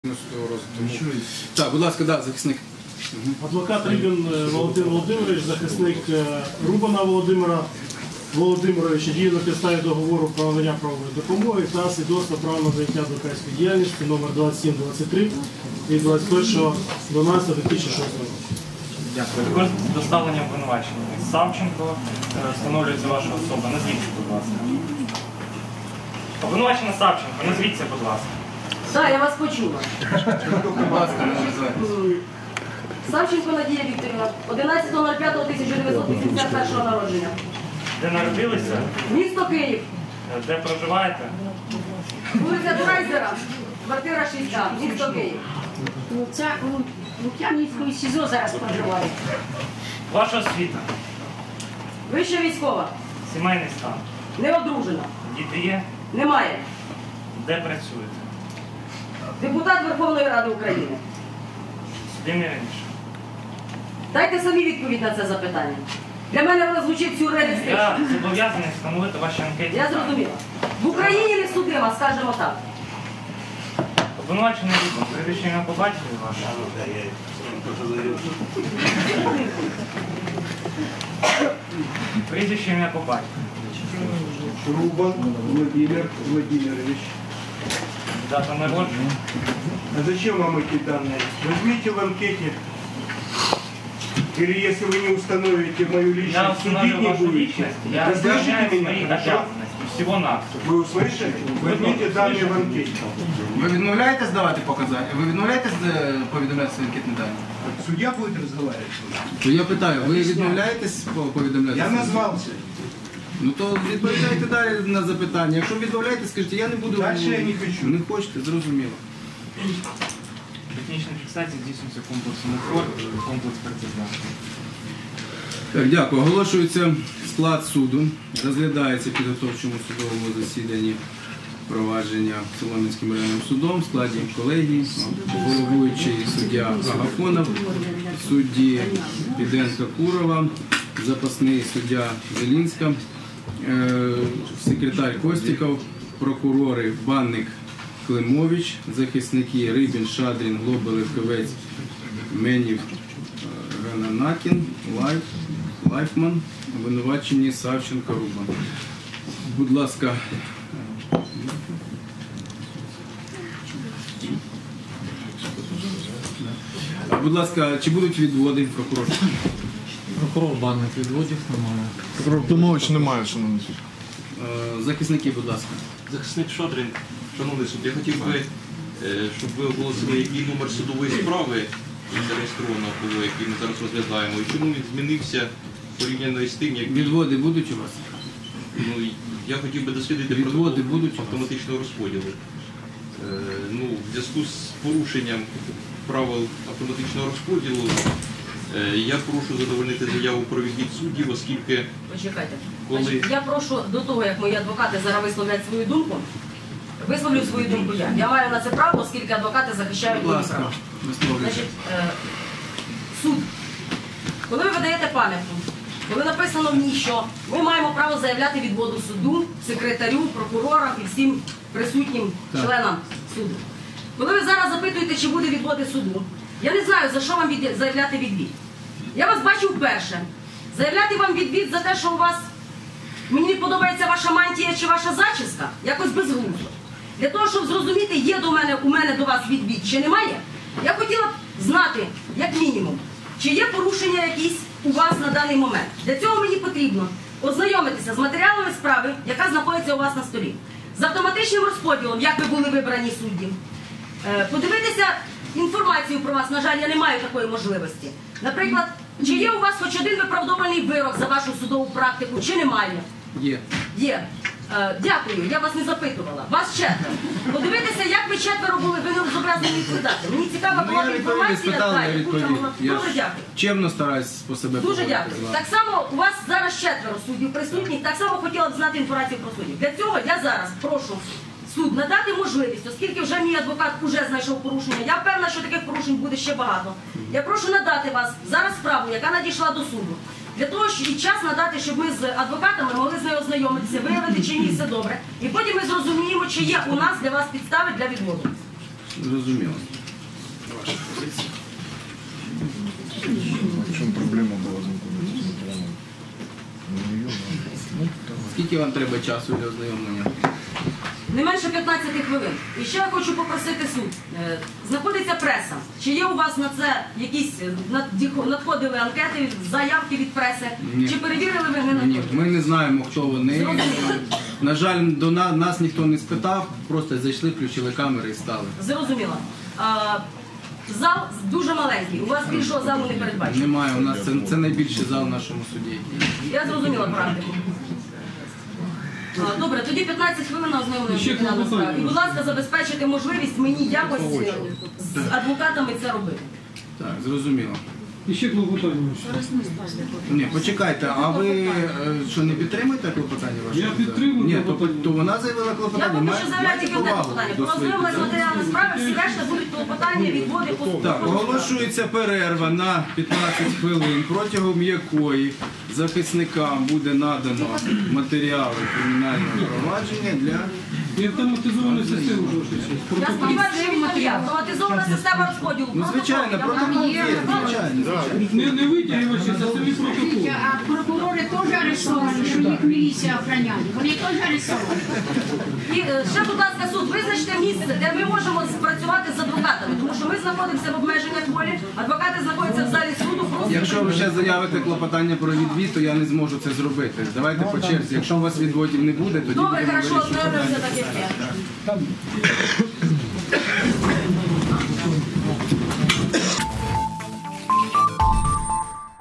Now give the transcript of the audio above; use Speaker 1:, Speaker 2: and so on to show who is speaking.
Speaker 1: Так, будь ласка, да, захисник.
Speaker 2: Адвокат Рибін Володимир Володимирович, захисник Рубана Володимира Володимировича, діє на підставі договору про надання правової допомоги та свідоцтва права на заняття адвокатської діяльності номер 2723 від 21.12.2006 року.
Speaker 3: Дякую. Також з доставленням обвинувачення. Савченко, встановлюється ваша особа. Назвіться, будь ласка. Обвинувачена Савченко, назвіться, будь ласка.
Speaker 4: Так, я вас почула.
Speaker 1: Будь ласка, не називайте.
Speaker 4: Савченко Надія Вікторівна, 11.05.1981 народження.
Speaker 3: Де народилися?
Speaker 4: Місто Київ.
Speaker 3: Де проживаєте?
Speaker 4: Вулиця Драйзера, квартира 6А, місто Київ.
Speaker 5: Ну, це у Лук'янівському СІЗО зараз проживає.
Speaker 3: Ваша освіта?
Speaker 4: Вища військова.
Speaker 3: Сімейний стан?
Speaker 4: Не одружена.
Speaker 3: Діти є?
Speaker 4: Немає.
Speaker 3: Де працюєте?
Speaker 4: Депутат Верховної Ради України.
Speaker 3: Судимі раніше?
Speaker 4: Дайте самі відповідь на це запитання. Для мене воно звучить сюрреалістично.
Speaker 3: Я зобов'язаний встановити ваші анкеті.
Speaker 4: Я зрозуміла. В Україні не судима, скажімо так.
Speaker 3: Обвинувачений Рубан, прізвище ім'я по батькові ваше? Прізвище ім'я по батькові.
Speaker 6: Рубан Владимир Владимирович.
Speaker 3: Дата народження?
Speaker 6: А зачем вам эти данные? Возьмите в анкете. Или если вы не установите мою
Speaker 3: Я
Speaker 6: личность, судить
Speaker 3: установлю
Speaker 6: не
Speaker 3: вашу
Speaker 6: будете.
Speaker 3: личность, я
Speaker 6: Вы
Speaker 3: выполняю
Speaker 6: слышите
Speaker 3: свои
Speaker 6: меня? Хорошо?
Speaker 3: обязанности, всего-навсего.
Speaker 6: Вы услышали? Возьмите данные в анкете.
Speaker 1: Ви відмовляєтесь давати показання? Ви відмовляєтесь повідомляти свої анкетні дані?
Speaker 6: Судья будет разговаривать.
Speaker 1: То я питаю, ви відмовляєтесь повідомляти?
Speaker 6: Я
Speaker 1: свої?
Speaker 6: назвался.
Speaker 1: Ну то відповідайте далі на запитання. Якщо відмовляєтесь, скажіть, я не буду...
Speaker 6: Дальше я не хочу.
Speaker 1: Не хочете, зрозуміло.
Speaker 3: Технічна фіксація здійснюється комплексом УФОР, комплекс прецедентів.
Speaker 1: Так, дякую. Оголошується склад суду. Розглядається в підготовчому судовому засіданні провадження Солом'янським районним судом в складі колегії, головуючий суддя Агафонов, судді Піденка Курова, запасний суддя Зелінська, секретар Костіков, прокурори Банник Климович, захисники Рибін, Шадрін, Глобелев, Кивець, Менів, Гананакін, Лайфман, обвинувачені Савченко, Рубан. Будь ласка. Будь ласка, чи будуть відводи, прокурор?
Speaker 7: Прокурор Банник відводів немає.
Speaker 8: Прокурор Климович немає, шановний суд.
Speaker 1: Захисники, будь ласка.
Speaker 9: Захисник Шадрин, шановний суд, я хотів би, щоб ви оголосили, який номер судової справи зареєстровано було, який ми зараз розглядаємо, і чому він змінився порівняно з тим, як
Speaker 1: Відводи будуть у вас?
Speaker 9: ну, я хотів би дослідити
Speaker 1: Відводи
Speaker 9: протокол
Speaker 1: будуть у вас?
Speaker 9: автоматичного розподілу. Ну, в зв'язку з порушенням правил автоматичного розподілу я прошу задовольнити заяву про відвід суддів, оскільки
Speaker 4: Почекайте.
Speaker 9: Коли-
Speaker 4: Значить, я прошу до того, як мої адвокати зараз висловлять свою думку, висловлю свою думку я. Я маю на це право, оскільки адвокати захищають
Speaker 1: Будь
Speaker 4: мої
Speaker 1: ласка,
Speaker 4: права.
Speaker 1: висловлюйте.
Speaker 4: Значить, суд. Коли ви видаєте пам'ятку, коли написано в ній, що ми маємо право заявляти відводу суду, секретарю, прокурорам і всім присутнім
Speaker 1: Так.
Speaker 4: членам суду. Коли ви зараз запитуєте, чи буде відводи суду, я не знаю, за що вам заявляти відвід. Я вас бачу вперше. Заявляти вам відвід за те, що у вас, мені не подобається ваша мантія чи ваша зачіска, якось безглуздо. Для того, щоб зрозуміти, є у мене до вас відвід чи немає, я хотіла б знати, як мінімум, чи є порушення якісь у вас на даний момент. Для цього мені потрібно ознайомитися з матеріалами справи, яка знаходиться у вас на столі, з автоматичним розподілом, як ви були вибрані судді, подивитися інформацію про вас, на жаль, я не маю такої можливості. Наприклад, чи є у вас хоч один виправдований вирок за вашу судову практику, чи немає?
Speaker 1: Є.
Speaker 4: Є. Дякую, я вас не запитувала. Вас четверо. Подивитися, як ви четверо були, ви не зобов'язані відповідати. Мені цікава
Speaker 1: Ну,
Speaker 4: була
Speaker 1: я
Speaker 4: інформація.
Speaker 1: спитав, я відповів. Я
Speaker 4: Дуже дякую.
Speaker 1: чемно стараюсь по себе
Speaker 4: Дуже
Speaker 1: поводити
Speaker 4: дякую.
Speaker 1: з вами.
Speaker 4: Так само у вас зараз четверо суддів присутніх, так само хотіла б знати інформацію про суддів. Для цього я зараз прошу суд надати можливість, оскільки вже мій адвокат вже знайшов порушення, я впевнена, що таких порушень буде ще багато. Я прошу надати вас зараз справу, яка надійшла до суду. Для того, щоб і час надати, щоб ми з адвокатами могли з нею ознайомитися, виявити, чи ні все добре. І потім ми зрозуміємо, чи є у нас для вас підстави для відводу.
Speaker 1: Зрозуміло. ваша позиція.
Speaker 8: В чому проблема була знаходитися з матеріалом?
Speaker 1: Скільки вам треба часу для ознайомлення?
Speaker 4: Не менше 15 хвилин. І ще я хочу попросити суд. Знаходиться преса. Чи є у вас на це якісь надходили анкети, заявки від преси?
Speaker 1: Ні.
Speaker 4: Чи перевірили ви не
Speaker 1: Ні,
Speaker 4: надходили?
Speaker 1: ми не знаємо, хто вони.
Speaker 4: Зрозуміло.
Speaker 1: На жаль, до нас ніхто не спитав, просто зайшли, включили камери і стали.
Speaker 4: Зрозуміло. Зал дуже маленький. У вас більшого залу не передбачено.
Speaker 1: Немає, у нас це найбільший зал в нашому суді.
Speaker 4: Я зрозуміла практику. Добре, тоді 15 хвилин на ознайомлення кримінальної справи. І, будь ласка, забезпечити можливість мені якось з адвокатами це робити.
Speaker 1: Так, зрозуміло.
Speaker 2: І ще клопотання.
Speaker 1: Ні, почекайте, а ви що, не підтримуєте клопотання ваше?
Speaker 2: Я підтримую
Speaker 1: Ні,
Speaker 2: клопотання.
Speaker 1: то вона заявила
Speaker 4: Я
Speaker 1: клопотання.
Speaker 4: поки що заявляю тільки одне клопотання. Про ознайомлення з матеріалами справи, всі решта будуть клопотання, відводи,
Speaker 1: Так, оголошується перерва на 15 хвилин, протягом якої захисникам буде надано матеріали кримінального провадження для...
Speaker 2: І автоматизовану систему
Speaker 4: Я сподіваюся, що він є. Автоматизована система розподілу.
Speaker 1: Ну, звичайно, протокол є, звичайно.
Speaker 2: Не витягувачі, це самі протоколи.
Speaker 5: А прокурори теж арестовані, щоб їх міліція охороняє. Вони теж арестовані.
Speaker 4: І ще, будь ласка, суд, визначте місце, де ми можемо спрацювати з адвокатами, тому що ми знаходимося в обмеженнях волі, адвокати знаходяться в залі суду. Просто
Speaker 1: Якщо ви ще заявите клопотання про відвід, то я не зможу це зробити. Давайте по черзі. Якщо у вас відводів не буде, тоді
Speaker 4: добре,
Speaker 1: будемо
Speaker 4: хорошо,
Speaker 1: вирішувати
Speaker 4: ознайомимося
Speaker 1: питання.
Speaker 4: так, як є.